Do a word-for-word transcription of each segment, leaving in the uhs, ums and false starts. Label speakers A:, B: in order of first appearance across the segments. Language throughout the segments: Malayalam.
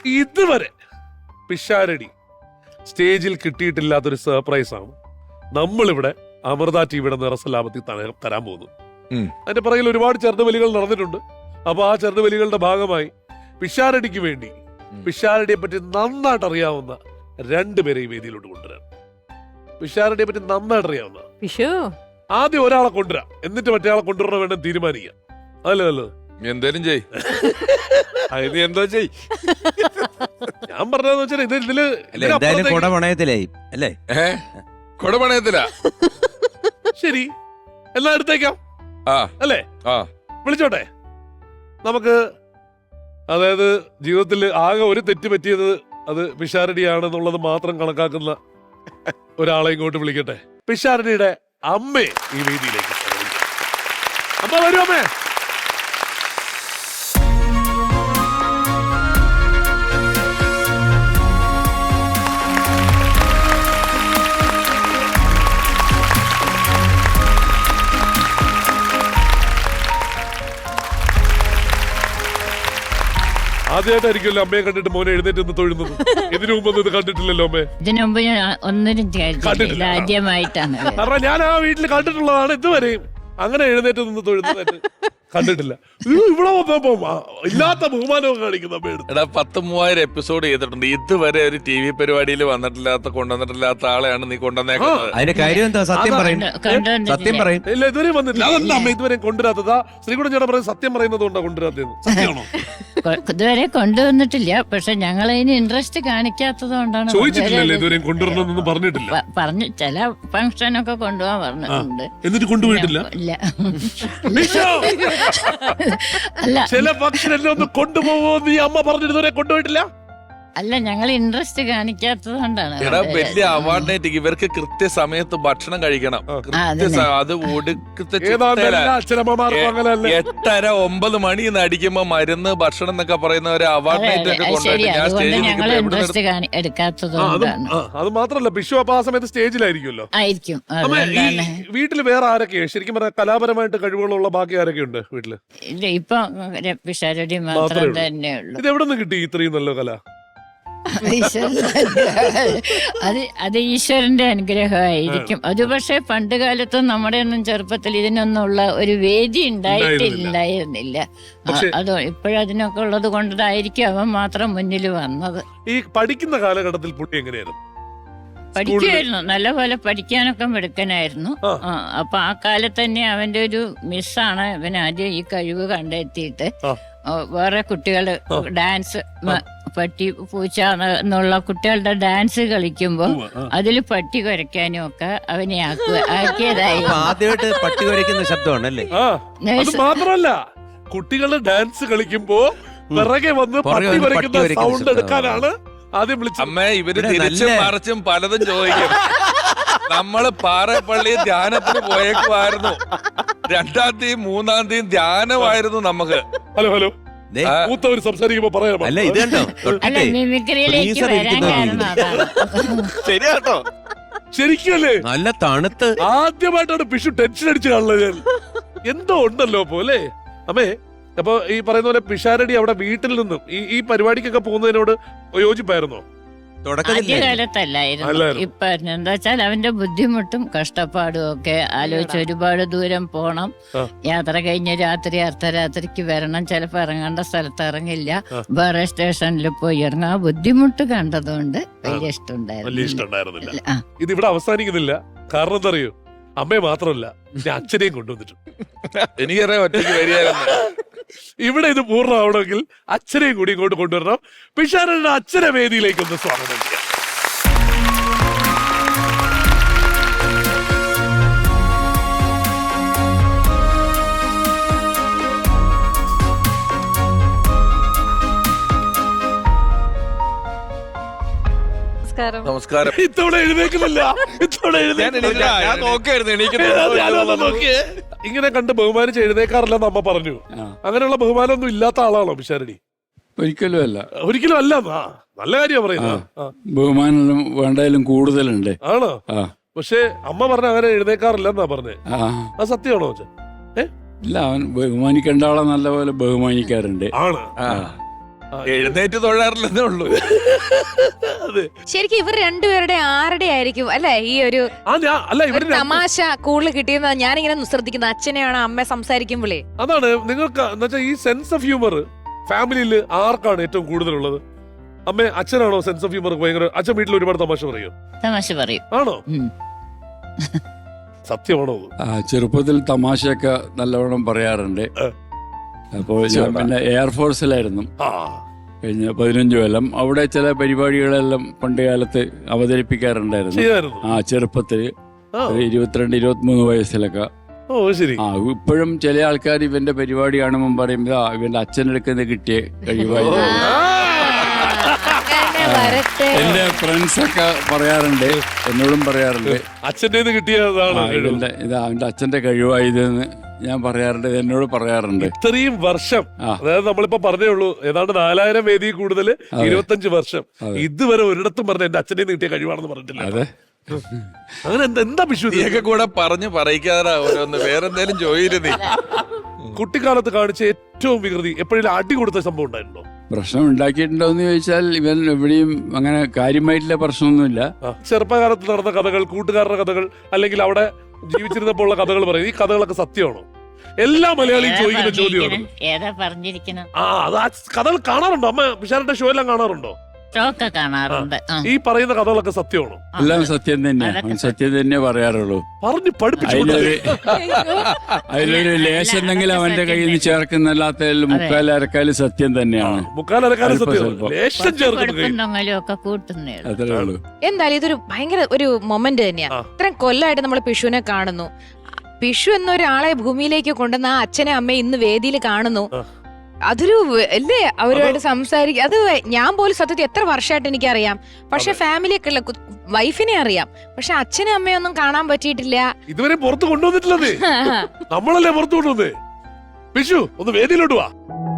A: ഇതുവരെ പിഷാരടി സ്റ്റേജിൽ കിട്ടിയിട്ടില്ലാത്തൊരു സർപ്രൈസ് ആണ് നമ്മളിവിടെ അമൃത ടിവിയുടെ നിറസലാപത്തിൽ തരാൻ പോകുന്നത്. അതിന്റെ പുറകിൽ ഒരുപാട് ചെറുതുവലികൾ നടന്നിട്ടുണ്ട്. അപ്പൊ ആ ചെറുതുവലികളുടെ ഭാഗമായി പിഷാരടിക്ക് വേണ്ടി പിഷാരടിയെ പറ്റി നന്നായിട്ട് അറിയാവുന്ന രണ്ടുപേരെ ഈ വേദിയിലോട്ട് കൊണ്ടുവരാം. പിഷാരടിയെ പറ്റി നന്നായിട്ട് അറിയാവുന്ന ആദ്യം ഒരാളെ കൊണ്ടുവരാം, എന്നിട്ട് മറ്റേ ആളെ കൊണ്ടുവരണം വേണം തീരുമാനിക്കാം. അതല്ലേ നല്ലത്?
B: എന്തേലും ചെയ് എന്തോ ചെയ്
A: ഞാൻ പറഞ്ഞതെന്ന് വെച്ചാൽ ഇത് ഇതില്
B: കൊടപണയത്തിലാ.
A: ശരി, എന്നാ എടുത്തേക്കാം അല്ലേ? വിളിച്ചോട്ടെ. നമുക്ക് അതായത് ജീവിതത്തിൽ ആകെ ഒരു തെറ്റ് പറ്റിയത് അത് പിഷാരടിയാണെന്നുള്ളത് മാത്രം കണക്കാക്കുന്ന ഒരാളെ ഇങ്ങോട്ട് വിളിക്കട്ടെ. പിഷാരടിയുടെ അമ്മേ ഈ വേദിയിലേക്ക് അമ്മ വരൂ. അമ്മേ, ആദ്യമായിട്ടായിരിക്കുമല്ലോ അമ്മയെ കണ്ടിട്ട് മോനെ എഴുന്നേറ്റ് നിന്ന് തൊഴുന്നത്. ഇതിനു മുമ്പ് ഇത് കണ്ടിട്ടില്ലല്ലോ അമ്മേ?
C: ഇതിനു മുമ്പ് ഒന്നിനും കണ്ടിട്ടില്ല, ആദ്യമായിട്ടാണ്.
A: കാരണം ഞാൻ ആ വീട്ടിൽ കണ്ടിട്ടുള്ളതാണ് ഇതുവരെയും. അങ്ങനെ എഴുന്നേറ്റ് നിന്ന് തൊഴുന്നതായിട്ട് കണ്ടിട്ടില്ല. ഇവിടെ ഇല്ലാത്ത ബഹുമാനവും കാണിക്കുന്ന
B: എടാ, പത്ത് മൂവായിരം എപ്പിസോഡ് ചെയ്തിട്ടുണ്ട്. ഇതുവരെ ഒരു ടി വി പരിപാടിയിൽ വന്നിട്ടില്ലാത്ത കൊണ്ടുവന്നിട്ടില്ലാത്ത ആളെയാണ് നീ കൊണ്ടുവന്നേക്കുന്നത്.
D: അതിന്റെ കാര്യം എന്താ? സത്യം പറയും, സത്യം പറയും.
A: ഇല്ല, ഇതുവരെയും വന്നിട്ടില്ല. അതല്ല അമ്മ ഇതുവരെ കൊണ്ടുവരാത്തതാ. ശ്രീകുടൻ ചേട്ടൻ പറയുന്നത് സത്യം പറയുന്നത് കൊണ്ടാ കൊണ്ടുവരാത്തത്. സത്യമാണോ?
C: ഇതുവരെ കൊണ്ടുവന്നിട്ടില്ല, പക്ഷെ ഞങ്ങൾ അതിന് ഇൻട്രസ്റ്റ് കാണിക്കാത്തത് കൊണ്ടാണ്.
A: ചോദിച്ചിട്ടില്ലല്ലോ ഇതുവരെയും കൊണ്ടുവരണമെന്നൊന്നും പറഞ്ഞിട്ടില്ല.
C: പറഞ്ഞു, ചില ഫംഗ്ഷനൊക്കെ കൊണ്ടുപോകാൻ പറഞ്ഞിട്ടുണ്ട്.
A: എന്നിട്ട് കൊണ്ടുപോയിട്ടില്ല.
C: ഇല്ല,
A: അല്ല, ചില ഫംഗ്ഷൻ എല്ലാം ഒന്ന് കൊണ്ടുപോകുമോ നീ അമ്മ പറഞ്ഞിട്ട് കൊണ്ടുപോയിട്ടില്ല.
C: അല്ല, ഞങ്ങൾ ഇൻട്രസ്റ്റ് കാണിക്കാത്തത് കൊണ്ടാണ്.
B: വലിയ അവാർഡായിട്ട് ഇവർക്ക് കൃത്യസമയത്ത് ഭക്ഷണം കഴിക്കണം. അത് എട്ടര ഒമ്പത് മണി അടിക്കുമ്പോ മരുന്ന് ഭക്ഷണം എന്നൊക്കെ പറയുന്ന ഒരു അവാർഡായിട്ട്
C: എടുക്കാത്തത്.
A: അത് മാത്രല്ല, വിഷു അപ്പൊ ആ സമയത്ത് സ്റ്റേജിലായിരിക്കുമല്ലോ.
C: ആയിരിക്കും.
A: വീട്ടില് വേറെ ആരൊക്കെയാ ശരിക്കും പറഞ്ഞാൽ കലാപരമായിട്ട് കഴിവുകളുള്ള ബാക്കി ആരൊക്കെ ഉണ്ട് വീട്ടില്?
C: ഇല്ല, ഇപ്പൊ പിഷാരടി മാത്രം തന്നെയുള്ളൂ.
A: ഇത് എവിടെ നിന്ന് കിട്ടി ഇത്രയും നല്ല കല?
C: അത് അത് ഈശ്വരന്റെ അനുഗ്രഹമായിരിക്കും. അത് പക്ഷെ പണ്ട് കാലത്ത് നമ്മുടെ ഒന്നും ചെറുപ്പത്തിൽ ഇതിനൊന്നുള്ള ഒരു വേദി ഉണ്ടായിട്ടില്ലായിരുന്നില്ല. അതോ ഇപ്പോഴതിനൊക്കെ ഉള്ളത് കൊണ്ടതായിരിക്കും അവൻ മാത്രം മുന്നിൽ വന്നത്.
A: ഈ പഠിക്കുന്ന കാലഘട്ടത്തിൽ പുള്ളി എങ്ങനെയായിരുന്നു?
C: പഠിക്കുമായിരുന്നു, നല്ലപോലെ പഠിക്കാനൊക്കെ മിടുക്കനായിരുന്നു. അപ്പൊ ആ കാലത്ത് തന്നെ അവന്റെ ഒരു മിസ്സാണ് ഇവൻ ആദ്യം ഈ കഴിവ് കണ്ടെത്തിയിട്ട് വേറെ കുട്ടികള് ഡാൻസ്, പട്ടി പൂച്ച എന്നുള്ള കുട്ടികളുടെ ഡാൻസ് കളിക്കുമ്പോ അതില് പട്ടി കുരയ്ക്കാനും ഒക്കെ അവനെ ആക്കിയതായി.
D: ആദ്യമായിട്ട് പട്ടി കുരയ്ക്കുന്ന ശബ്ദമാണല്ലേ?
A: മാത്രമല്ല, കുട്ടികള് ഡാൻസ് കളിക്കുമ്പോ പിറകെ വന്ന് പട്ടി കുരയ്ക്കുന്ന സൗണ്ട് എടുക്കാനാണ് ആദ്യം വിളിച്ചത്.
B: അമ്മ ഇവര് തിരിച്ചും മറിച്ചും പലതും ചോദിക്കും. നമ്മള് പാറപ്പള്ളി ധ്യാനത്തിന് പോയേക്കുമായിരുന്നു. രണ്ടാം തീയതി മൂന്നാം തീയതി ധ്യാനമായിരുന്നു നമുക്ക്.
A: ഹലോ ഹലോ മൂത്തവർ സംസാരിക്കുമ്പോ പറയാം.
D: അല്ല, ഇത് കണ്ടോ
B: ശരിയാട്ടോ,
A: ശരിക്കല്ലേ?
D: നല്ല തണുത്ത്
A: ആദ്യമായിട്ടാണ് പിഷു ടെൻഷൻ അടിച്ചു കാണുന്നത്. ഞാൻ എന്തോ ഉണ്ടല്ലോ പോലെ. അമ്മേ, അപ്പൊ ഈ പറയുന്ന പോലെ പിഷാരടി അവിടെ വീട്ടിൽ നിന്നും ഈ ഈ പരിപാടിക്കൊക്കെ പോകുന്നതിനോട് യോജിപ്പായിരുന്നോ?
C: ആദ്യകാലത്തല്ലായിരുന്നു. ഇപ്പൊ എന്താ വെച്ചാൽ അവന്റെ ബുദ്ധിമുട്ടും കഷ്ടപ്പാടും ഒക്കെ ആലോചിച്ച് ഒരുപാട് ദൂരം പോണം, യാത്ര കഴിഞ്ഞ് രാത്രി അർദ്ധരാത്രിക്ക് വരണം, ചിലപ്പോ ഇറങ്ങേണ്ട സ്ഥലത്ത് ഇറങ്ങില്ല, വേറെ സ്റ്റേഷനിൽ പോയി ഇറങ്ങാം. ആ ബുദ്ധിമുട്ട് കണ്ടതുകൊണ്ട് വലിയ ഇഷ്ടമുണ്ടായിരുന്നില്ല.
A: ഇത് ഇവിടെ അവസാനിക്കുന്നില്ല. കാരണം എന്താ അറിയോ? അമ്മയെ മാത്രമല്ല, ഞാൻ അച്ഛനെയും കൊണ്ടുവന്നിട്ടുണ്ട്.
B: എനിക്കറിയാം ഒറ്റയ്ക്ക് വരികയായിരുന്നു.
A: ഇവിടെ ഇത് പൂർണ്ണമാവണമെങ്കിൽ അച്ഛനെയും കൂടി ഇങ്ങോട്ട് കൊണ്ടുവരണം. പിഷാരടിയുടെ അച്ഛനെ വേദിയിലേക്ക് ഒന്ന് സ്വാഗതം ചെയ്യാം.
B: നമസ്കാരം.
A: ഇത്തവണ എഴുന്നേക്കുന്നില്ല, ഇത്തവണ ഇങ്ങനെ കണ്ട് ബഹുമാനിച്ച് എഴുന്നേക്കാറില്ലെന്ന് അമ്മ പറഞ്ഞു. അങ്ങനെയുള്ള ബഹുമാനമൊന്നും ഇല്ലാത്ത ആളാണോ പിഷാരടി?
E: ഒരിക്കലും അല്ല.
A: ഒരിക്കലും അല്ല. നല്ല കാര്യമാണ് പറയുന്നത്.
E: ബഹുമാനം വേണ്ടതിലും കൂടുതലുണ്ട്.
A: ആണോ? പക്ഷെ അമ്മ പറഞ്ഞ അങ്ങനെ എഴുന്നേക്കാറില്ലെന്നാ പറഞ്ഞേ. അത് സത്യമാണോ?
E: ഇല്ല, അവൻ ബഹുമാനിക്കേണ്ട ആളെ നല്ലപോലെ ബഹുമാനിക്കാറുണ്ട്.
A: ആണ്.
B: എഴുന്നേറ്റ് തൊഴാറില്ലെന്നേ ഉള്ളൂ.
A: അതെ.
F: ശരിക്കും ഇവർ രണ്ടുപേരുടെ ആരുടെ ആയിരിക്കും അല്ലെ ഈ ഒരു
A: ആ ഞാൻ അല്ല
F: ഒരു
A: ഇവര് രണ്ട്
F: തമാശ കൂടുതൽ കിട്ടിയെന്ന് ഞാനിങ്ങനെ ശ്രദ്ധിക്കുന്നത് അച്ഛനെയാണ് അമ്മ സംസാരിക്കുമ്പോഴേ.
A: അതാണ് നിങ്ങൾക്ക് എന്നുവെച്ചാൽ ഈ സെൻസ് ഓഫ് ഹ്യൂമർ ഫാമിലിയിൽ ആർക്കാണ് ഏറ്റവും കൂടുതലുള്ളത്? അമ്മ അച്ഛനാണോ സെൻസ് ഓഫ് ഹ്യൂമർ ഭയങ്കര? അച്ഛൻ വീട്ടിൽ ഒരുപാട് തമാശ പറയും
C: തമാശ പറയും.
A: ആണോ?
C: ഉം.
A: സത്യമാണോ അത്?
E: ആ, ചെറുപ്പത്തിൽ തമാശയൊക്കെ നല്ലവണ്ണം പറയാറുണ്ട്. അപ്പോൾ ഞാൻ പിന്നെ എയർഫോഴ്സിലായിരുന്നു
A: ആ
E: കഴിഞ്ഞ പതിനഞ്ച് കൊല്ലം. അവിടെ ചില പരിപാടികളെല്ലാം പണ്ട് കാലത്ത് അവതരിപ്പിക്കാറുണ്ടായിരുന്നു.
A: ചെയ്യായിരുന്നു.
E: ആ ചെറുപ്പത്തിൽ
A: ആ.
E: ഒരു ഇരുപത്തിരണ്ട് ഇരുപത്തിമൂന്ന് വയസ്സിലൊക്കെ.
A: ഓ ശരി.
E: ആ ഇപ്പോഴും ചില ആൾക്കാർ ഇവന്റെ പരിപാടി കാണുമ്പോൾ പറയും ഇതാ ഇവന്റെ അച്ഛനെടുക്കുന്ന കിട്ടിയ കഴിവായിരുന്നു. എന്റെ ഫ്രണ്ട്സ് ഒക്കെ പറയാറുണ്ട്, എന്നോടും പറയാറുണ്ട്
A: അച്ഛൻ്റെ കിട്ടിയതാണ്
E: ആ, ഇവന്റെ ഇത് അവന്റെ അച്ഛന്റെ കഴിവായതെന്ന് ഞാൻ പറയാറുണ്ട്, എന്നോട് പറയാറുണ്ട്.
A: ഇത്രയും വർഷം
E: ആ.
A: അതായത് നമ്മളിപ്പോ പറഞ്ഞേ ഉള്ളൂ ഏതാണ്ട് നാലായിരം വേദി കൂടുതൽ
E: അതെ.
A: ഇരുപത്തഞ്ച് വർഷം
E: അതെ.
A: ഇതുവരെ ഒരിടത്തും പറഞ്ഞ എന്റെ അച്ഛൻ്റെ കിട്ടിയ കഴിവാണെന്ന് പറഞ്ഞിട്ടില്ല.
E: അതെ.
A: അങ്ങനെ എന്താ എന്താ വിഷു ഇത്?
B: നീയൊക്കെ കൂടെ പറഞ്ഞ് പറയിക്കാതെ ഓരോന്ന് വേറെന്തേലും ചോദിച്ചു.
A: കുട്ടിക്കാലത്ത് കാണിച്ച ഏറ്റവും വികൃതി എപ്പോഴെങ്കിലും അടി കൊടുത്ത സംഭവം ഉണ്ടായിട്ടുണ്ടോ?
E: പ്രശ്നം ഉണ്ടാക്കിയിട്ടുണ്ടോ എന്ന് ചോദിച്ചാൽ ഇവൻ എവിടെയും അങ്ങനെ കാര്യമായിട്ടുള്ള പ്രശ്നമൊന്നുമില്ല.
A: ആ, ചെറുപ്പകാലത്ത് നടന്ന കഥകൾ, കൂട്ടുകാരുടെ കഥകൾ, അല്ലെങ്കിൽ അവിടെ ജീവിച്ചിരുന്നപ്പോൾ ഉള്ള കഥകൾ പറയും. ഈ കഥകളൊക്കെ സത്യമാണോ? എല്ലാ മലയാളിയും
C: ഏതാ
A: ചോദിക്കുന്ന ചോദ്യമാണ്.
C: പറഞ്ഞിരിക്കണെ? ഏതാ പറഞ്ഞിരിക്കണം?
A: ആ അത് ആ കഥകൾ കാണാറുണ്ടോ? അമ്മ പിഷാരന്റെ ഷോ എല്ലാം കാണാറുണ്ടോ?
C: ഷോക്കെ കാണാറുണ്ട്. ആ.
A: ഈ പറയുന്ന കഥകളൊക്കെ സത്യമാണോ?
E: എല്ലാം സത്യം തന്നെയാ,
C: അതൊക്കെ
E: അവൻ സത്യം തന്നെ പറയാറുള്ളൂ.
A: പറഞ്ഞു പഠിപ്പിച്ചു
E: അതിലൊരു അതിലൊരു ലേശം എന്തെങ്കിലും അവന്റെ കയ്യിൽ നിന്ന് ചേർക്കുന്നല്ലാത്ത മുക്കാൽ അരക്കാല് സത്യം തന്നെയാണ്.
A: മുക്കാലരക്കാരൻ
E: അല്പം
A: സത്യം
E: സ്വല്പം.
A: ലേശം
C: കുറച്ച്
A: ചേർക്കുന്നു
C: കൊടുക്കും തൊങ്ങലും ഒക്കെ കൂട്ടുന്നേ ഉള്ളൂ.
E: അത്രേ ഉള്ളൂ.
F: എന്തായാലും ഇതൊരു ഭയങ്കര ഒരു മൊമെന്റ് തന്നെയാ.
A: ആ.
F: ഇത്രയും കൊല്ലമായിട്ട് നമ്മൾ പിഷുവിനെ കാണുന്നു. പിഷു എന്നൊരാളെ ഭൂമിയിലേക്ക് കൊണ്ടുവന്ന ആ അച്ഛനെ അമ്മയെ ഇന്ന് വേദിയിൽ കാണുന്നു.
A: ആ.
F: അതൊരു വ- അല്ലേ അവരുമായിട്ട് സംസാരിക്കുക. അത് ഞാൻ പോലും സത്യത്തിൽ എത്ര വർഷമായിട്ട് എനിക്കറിയാം. പക്ഷെ ഫാമിലിയൊക്കെ ഉള്ള കു- വൈഫിനെ അറിയാം, പക്ഷെ അച്ഛനും അമ്മയൊന്നും കാണാൻ പറ്റിയിട്ടില്ല.
A: ഇതുവരെ പുറത്ത് കൊണ്ടുവന്നിട്ടില്ലതേ. നമ്മളല്ലേ പുറത്തു കൊണ്ടുവന്നേ. വിഷു ഒന്ന് വേദിയിലോട്ട് വാ.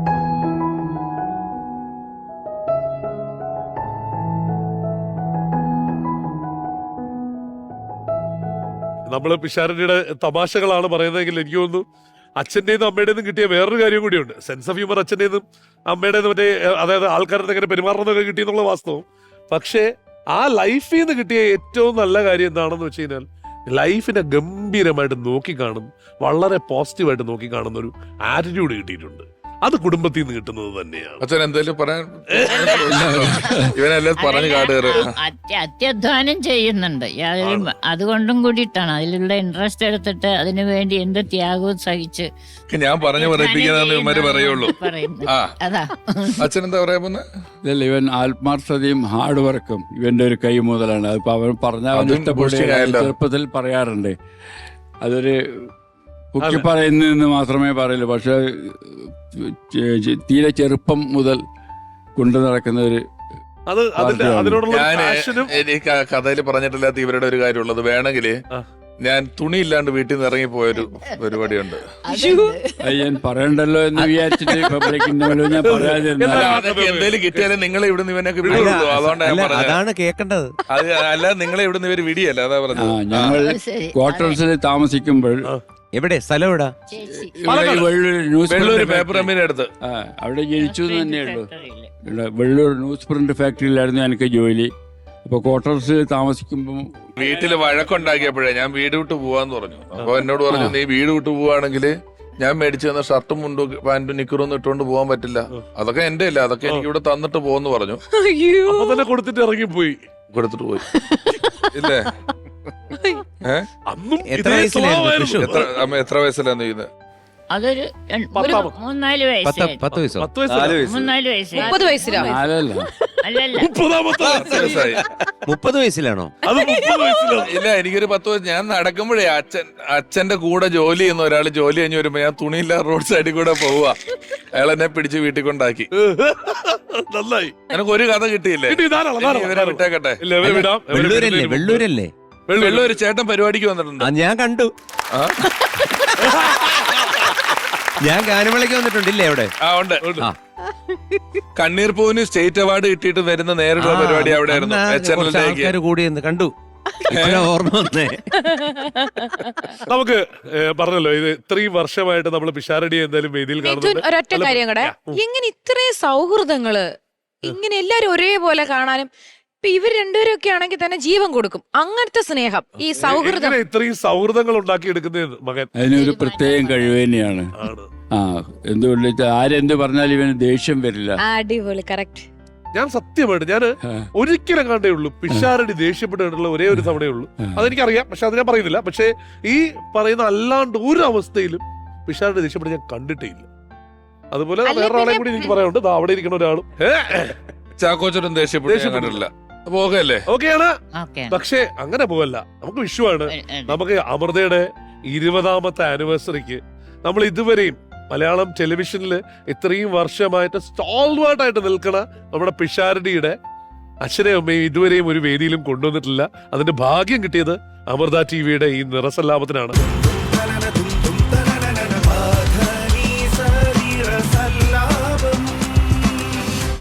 A: നമ്മള് പിഷാരടിയുടെ തമാശകളാണ് പറയുന്നതെങ്കിൽ എനിക്ക് തോന്നുന്നു അച്ഛൻ്റെന്നും അമ്മയുടേന്നും കിട്ടിയ വേറൊരു കാര്യം കൂടിയുണ്ട്. സെൻസ് ഓഫ് ഹ്യൂമർ അച്ഛൻ്റെന്നും അമ്മയുടേന്നും മറ്റേ അതായത് ആൾക്കാരുടെ എങ്ങനെ പെരുമാറുന്നതൊക്കെ കിട്ടിയെന്നുള്ള വാസ്തവം. പക്ഷേ ആ ലൈഫിൽ നിന്ന് കിട്ടിയ ഏറ്റവും നല്ല കാര്യം എന്താണെന്ന് വെച്ച് കഴിഞ്ഞാൽ ലൈഫിനെ ഗംഭീരമായിട്ട് നോക്കി കാണും, വളരെ പോസിറ്റീവായിട്ട് നോക്കി കാണുന്ന ഒരു ആറ്റിറ്റ്യൂഡ് കിട്ടിയിട്ടുണ്ട്. അത് കുടുംബത്തിൽ നിന്ന് കിട്ടുന്നത് തന്നെയാണ്.
B: അച്ഛൻ എന്തേലും പറയാൻ ഇവനെല്ലാം പറഞ്ഞു കാടുകയറ്.
C: അത്യ- അത്യധ്വാനം ചെയ്യുന്നുണ്ട്. യാതൊരു അതുകൊണ്ടും കൂടിയിട്ടാണ് അതിലുള്ള ഇൻട്രസ്റ്റ് എടുത്തിട്ട് അതിനു വേണ്ടി എന്ത് ത്യാഗവും സഹിച്ച്
B: ഞാൻ പറഞ്ഞു പറയിപ്പിക്കാന്ന് ഇവന്മാര് പറയുള്ളൂ.
C: പറയുന്നത്.
B: ആ
C: അതാ
B: അച്ഛൻ എന്താ പറയാ പോന്നെ?
E: ഇതല്ല, ഇവൻ ആത്മാർത്ഥതയും ഹാർഡ് വർക്കും ഇവന്റെ ഒരു കൈ മുതലാണ്. അതിപ്പോ അവൻ പറഞ്ഞാൽ അവൻ
B: അതും
E: ഇഷ്ടപ്പെടുക
B: boosting ആയല്ലോ.
E: ചെറുപ്പത്തിൽ പറയാറുണ്ട്. അതൊരു കുക്കി പറയുന്നതെന്ന് മാത്രമേ പറയൂ, പക്ഷെ തീരെ ചെറുപ്പം മുതൽ കൊണ്ടു നടക്കുന്ന ഒരു
A: അത് അതിന്റെ അതിനോടുള്ള
B: ഞാൻ
A: പാഷനും
B: എനിക്ക് കഥയിൽ പറഞ്ഞിട്ടില്ലാത്ത ഇവരുടെ ഒരു കാര്യമുള്ളത്, വേണമെങ്കില്
A: ആ.
B: ഞാൻ തുണി ഇല്ലാണ്ട് വീട്ടിൽ നിന്ന് ഇറങ്ങി പോയൊരു പരിപാടിയുണ്ട്.
E: അത് ഞാൻ പറയണ്ടല്ലോ എന്ന് വിചാരിച്ചിട്ട് പബ്ലിക്കിന്റെ മുന്നിൽ ഞാൻ പറയാതിരുന്ന
B: അല്ല, അതൊക്കെ എന്തേലും കിട്ടിയാലും നിങ്ങളെ ഇവിടുന്ന് ഇവനൊക്കെ വിടുള്ളൂ. അതുകൊണ്ടാണ് ഞാൻ
D: അല്ല,
B: പറഞ്ഞത്.
D: അതാണ് കേൾക്കേണ്ടത്.
B: അത് അല്ല, നിങ്ങളെ ഇവിടുന്ന് ഇവര് വിടിയല്ല, അതാ
E: ആ
B: പറഞ്ഞത്.
E: ഞങ്ങൾ
C: അത് ശരി.
E: ക്വാർട്ടേഴ്സിൽ താമസിക്കുമ്പോൾ
D: എവിടെ സ്ഥലം എവിടാ?
C: ചേച്ചി.
E: ഇവിടെ ഈ Vellur news
B: Vellur
E: print
B: paper
E: factory-
B: അമ്മീനെ അടുത്ത്
E: ആ, അവിടെ ജനിച്ചു എന്ന് തന്നെ ഉള്ളൂ.
C: ഫാക്ടറിയില്.
E: ഇവിടെ വെള്ളൂർ ന്യൂസ് പ്രിന്റ് ഫാക്ടറിയിലായിരുന്നു എനിക്ക് ജോലി. അപ്പൊ ക്വാർട്ടേഴ്സിൽ താമസിക്കുമ്പോൾ
B: വീട്ടില് വഴക്കുണ്ടാക്കിയപ്പോഴേ ഞാൻ വീട് വിട്ട് പോവാന്ന് പറഞ്ഞു. അപ്പൊ എന്നോട് പറഞ്ഞു, നീ വീട് വിട്ട് പോവാണെങ്കിൽ ഞാൻ മേടിച്ചു തന്ന ഷർട്ടും മുണ്ടും പാന്റും നിക്കറും ഒന്നും ഇട്ടുകൊണ്ട് പോകാൻ പറ്റില്ല, അതൊക്കെ എന്റെ അല്ല, അതൊക്കെ എനിക്ക് ഇവിടെ തന്നിട്ട് പോവെന്ന് പറഞ്ഞു.
F: അയ്യോ
A: അപ്പൊ തന്നെ കൊടുത്തിട്ട് ഇറങ്ങിപ്പോയി.
B: കൊടുത്തിട്ട് പോയി. ഇല്ലേ? ഏഹ്
A: അന്നും
D: എത്ര
A: ഇതേ
D: വയസ്സിലായിരുന്നു
A: സ്വഭാവമായിരുന്നു.
D: വിഷു?
B: എത്ര അമ്മ എത്ര വയസ്സിലാണ് ചെയ്യുന്നത്?
C: അതൊരു രണ്ട്- ഒരു
A: പത്താമത്.
C: മൂന്നാല്
D: പത്ത്
C: വയസ്സായി.
D: പത്ത് വയസ്സോ?
A: പത്ത് വയസ്സിലാ?
C: മൂന്നാല് വയസ്സായി.
F: മുപ്പത് വയസ്സിലോ?
E: നാലല്ല
C: അല്ലല്ല
A: മുപ്പതാമത്തെ
B: പത്ത് വയസ്സായി.
D: മുപ്പത് വയസ്സിലാണോ?
A: അത് മുപ്പത് വയസ്സിലാണ്.
B: ഇല്ല, എനിക്കൊരു പത്ത് വയസ്സ്. ഞാൻ നടക്കുമ്പോഴേ അച്ഛൻ അച്ഛന്റെ കൂടെ ജോലി ചെയ്യുന്ന ഒരാൾ ജോലി കഴിഞ്ഞ് വരുമ്പോ ഞാൻ തുണിയില്ല റോഡ് സൈഡിൽ കൂടെ പോവുക. അയാൾ എന്നെ പിടിച്ച് വീട്ടിൽ കൊണ്ടാക്കി.
A: നന്നായി.
B: എനിക്ക് ഒരു കഥ കിട്ടിയില്ലേ?
A: കിട്ടി, ധാരാളം,
B: ഇനി
A: ധാരാളം,
B: ഇവരെ
A: ധാരാളം.
B: വിട്ടേക്കട്ടെ.
A: ഇല്ല, ഇവരെ വിടാം. ഇവരെ
D: വെള്ളൂരല്ലേ?
A: വിടുന്നതിന് മുമ്പ്.
D: വെള്ളൂരല്ലേ?
A: വെള്ളൂര്.
B: വെള്ളൂര് ചേട്ടൻ പരിപാടിക്ക് വന്നിട്ടുണ്ട്.
D: ആ, ഞാൻ കണ്ടു.
B: ആ?
D: ഞാൻ ഗാനമേളയ്ക്ക് വന്നിട്ടുണ്ടില്ലേ അവിടെ?
B: ആ ഉണ്ട്.
D: ആ.
B: കണ്ണീർ പൂവിന് സ്റ്റേറ്റ് അവാർഡ് കിട്ടിയിട്ട് വരുന്ന നേരിട്ടുള്ള പരിപാടി അവിടെ ആയിരുന്നു.
D: അന്ന്
B: എച്ച് എൻ
D: കുറച്ച്
B: എല്ലിലേക്ക്.
D: ആൾക്കാര് കൂടി എന്ന് കണ്ടു. ഇപ്പഴാ ഓർമ്മ വന്നേ.
A: നമുക്ക് ഏ, പറഞ്ഞല്ലോ ഇത് ഇത്രയും വർഷമായിട്ട് നമ്മൾ പിഷാരടി എന്തായാലും വേദിയിൽ
F: മിഥുൻ,
A: കാണുന്നുണ്ട്.
F: ഒരൊറ്റ
A: അല്ല,
F: കാര്യം കൂടെ,
A: ഉം.
F: എങ്ങനെ ഇത്രയും സൗഹൃദങ്ങള് ഇങ്ങനെ എല്ലാരും ഒരേപോലെ കാണാനും, ഇപ്പൊ ഇവർ രണ്ടുപേരും ഒക്കെ ആണെങ്കിൽ തന്നെ ജീവൻ കൊടുക്കും, അങ്ങനത്തെ സ്നേഹം, ഈ സൗഹൃദം.
A: എങ്ങനെ ഇത്രയും സൗഹൃദങ്ങൾ ഉണ്ടാക്കി എടുക്കുന്ന മകൻ
E: അതിനൊരു പ്രത്യേകം കഴിവ് തന്നെയാണ്.
A: ആണ്.
E: ആ എന്തുകൊണ്ട് വെച്ചാൽ ആരെന്ത് പറഞ്ഞാലും ഇവന് ദേഷ്യം വരില്ല.
F: അടിപൊളി, കറക്റ്റ്.
A: ഞാൻ സത്യമായിട്ട് ഞാൻ
E: ആ.
A: ഒരിക്കലും കണ്ടേ ഉള്ളൂ പിഷാരടി ദേഷ്യപ്പെട്ടിട്ടുള്ള ഒരേ ഒരു തവണയേ ഉള്ളൂ.
E: ആ.
A: അതെനിക്കറിയാം, പക്ഷെ അത് ഞാൻ പറയുന്നില്ല. പക്ഷേ ഈ പറയുന്ന അല്ലാണ്ട് ഒരു അവസ്ഥയിലും പിഷാരടി ദേഷ്യപ്പെട്ട് ഞാൻ കണ്ടിട്ടേ ഇല്ല. അതുപോലെ
F: അല്ല,
A: വേറെ ആളെ
F: പിന്നെ-
A: കൂടി എനിക്ക് പറയാനുണ്ട്. ദാ അവിടെ ഇരിക്കുന്ന ഒരാളും
B: ചാക്കോച്ചനും ദേഷ്യപ്പെട്ടു
A: ദേഷ്യപ്പെട്ടു.
B: കണ്ടിട്ടില്ല. പോകല്ലേ?
A: ഓക്കെയാണ്.
C: ഓക്കെ
A: പക്ഷേ അങ്ങനെ പോവല്ല. നമുക്ക് വിഷുവാണ്. നമുക്ക് അമൃതയുടെ ഇരുപതാമത്തെ ആനിവേഴ്സറിക്ക് നമ്മൾ ഇതുവരെയും മലയാളം ടെലിവിഷനിൽ ഇത്രയും വർഷമായിട്ട് സ്റ്റാൾവാർട്ടായിട്ട് നിൽക്കണ നമ്മുടെ പിഷാരടിയുടെ അച്ഛനെയും അമ്മയും ഇതുവരെയും ഒരു വേദിയിലും കൊണ്ടുവന്നിട്ടില്ല. അതിന്റെ ഭാഗ്യം കിട്ടിയത് അമൃത ടി വിയുടെ ഈ നിറസല്ലാപത്തിനാണ്.